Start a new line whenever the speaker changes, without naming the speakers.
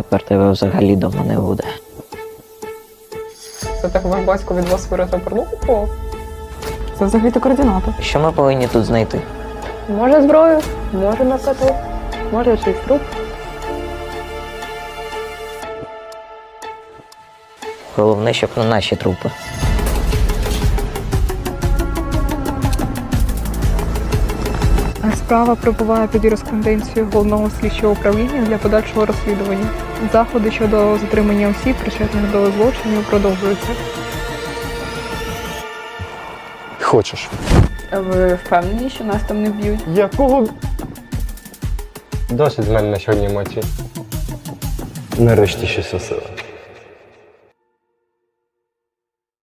тепер тебе взагалі дома не буде.
Це так ваш батько від вас вирізав порну купував?
Це взагалі-то координати.
Що ми повинні тут знайти?
Може зброю, може наркоту, може чийсь труп.
Головне, щоб на наші трупи.
Справа перебуває під юриспруденцією Головного слідчого управління для подальшого розслідування. Заходи щодо затримання осіб, причетних до злочинів, продовжуються.
Хочеш?
Ви впевнені, що нас там не вб'ють?
Якого? Досить з мене на сьогодні емоцій. Нарешті щось осила.